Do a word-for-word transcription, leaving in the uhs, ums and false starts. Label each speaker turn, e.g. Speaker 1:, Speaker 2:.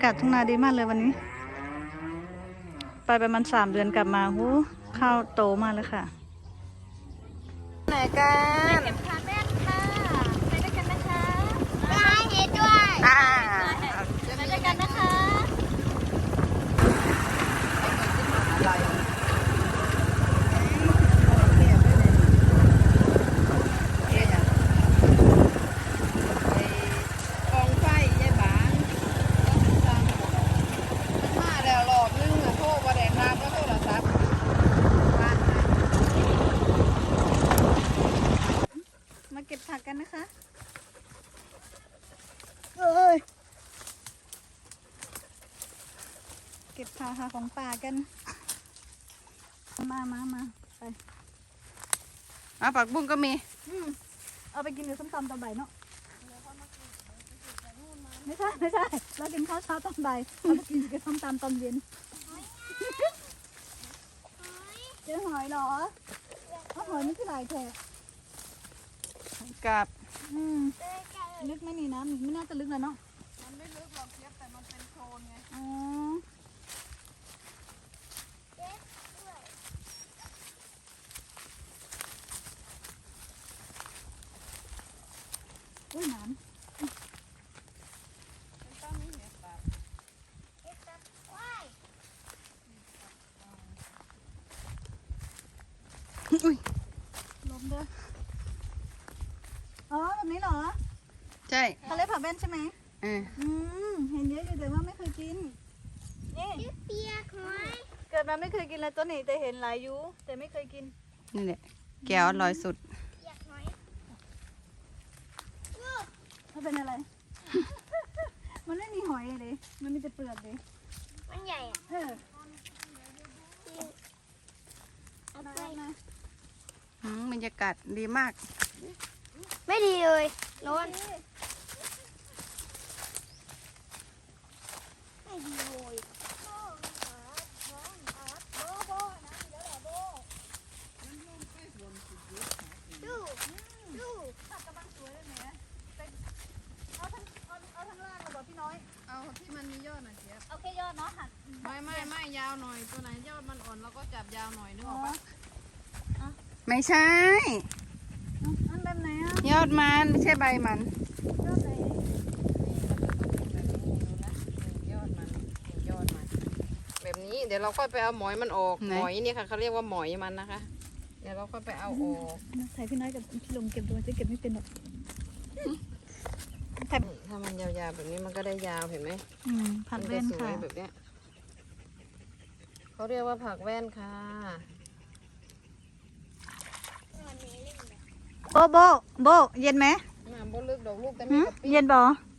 Speaker 1: ากาศทุ่งนาดีมากเลยวันนี้ ไปประมาณสามเดือนกลับมาหูข้าวโตมากเลยค่ะไหนกันเก็บขาแม่ค่ะไปด้วยกันนะคะไปเห็นด้วยอ่าไปด้วยกันนะคะมาเก็บผักกันนะคะเอ้ยเก็บผักหาของป่ากันมามามาไปอ่ะผักบุ้งก็มีอืมเอาไปกินกับส้มตำตอนบ่ายเนาะไม่ใช่ไม่ใช่เรากินข้าวเช้าตอนบ่ายเราไปกินกับส้มตำตอนเย็นเจอหอยเหรอเอาหอยไม่คือหลายแค่กับอืมลึกไหมนี่น้ำไม่น่าจะลึกเลยเนาะมันไม่ลึกหรอกเทียบแต่มันเป็นโคลนไงอ๋ออุ้ยน้ำอุ้ยลมเด้ออ๋อแบบนี้เหรอใช่เขาเรียกผักแว่นใช่ไหมอืมอืมเห็นเยอะอยู่แต่ว่าไม่เคยกินนี่เปียกหอยเกิดมาไม่เคยกินเลยตัวนี้แต่เห็นหลายยูแต่ไม่เคยกินนี่แหละแก้วอร่อยสุดเปียกหอยมันเป็นอะไร มันไม่มีหอยเลยมันมีแต่เปลือกเลยมันใหญ่อ่ะเออเอาไปมาบรรยากาศดีมากไม่ดีเลยร้อนไม่ดีเลยดูดูผักกระบังสวยเลยเนี่ยเอาทั้งเอาเอาทั้งล่างเลยบอกพี่น้อยเอาที่มันมียอดหน่อยเจี๊ยบเอาแค่ยอดเนาะค่ะไม่ไม่ไม่ยาวหน่อยตัวไหนยอดมันอ่อนแล้วก็จับยาวหน่อยนึกออกปะไม่ใช่อันแบบไหนอ่ะยอดมันไม่ใช่ใบมันยอดไหนยอดมันยอดมันแบบนี้เดี๋ยวเราค่อยไปเอาหมอยมันออกหมอยนี่ค่ะเขาเรียกว่าหมอยมันนะคะเดี๋ยวเราค่อยไปเอาออกใส่พี่น้อยกับพี่ลมเก็บดูจะเก็บไม่เป็นหรอกถ้ามันยาวๆแบบนี้มันก็ได้ยาวเห็นไหมอืมผักแว่นค่ะแบบเนี้ยเขาเรียกว่าผักแว่นค่ะโบโบโบเย็นไหมน้ำโบลึกดอกลูกแต่ไม่กระปี้เย็นบ่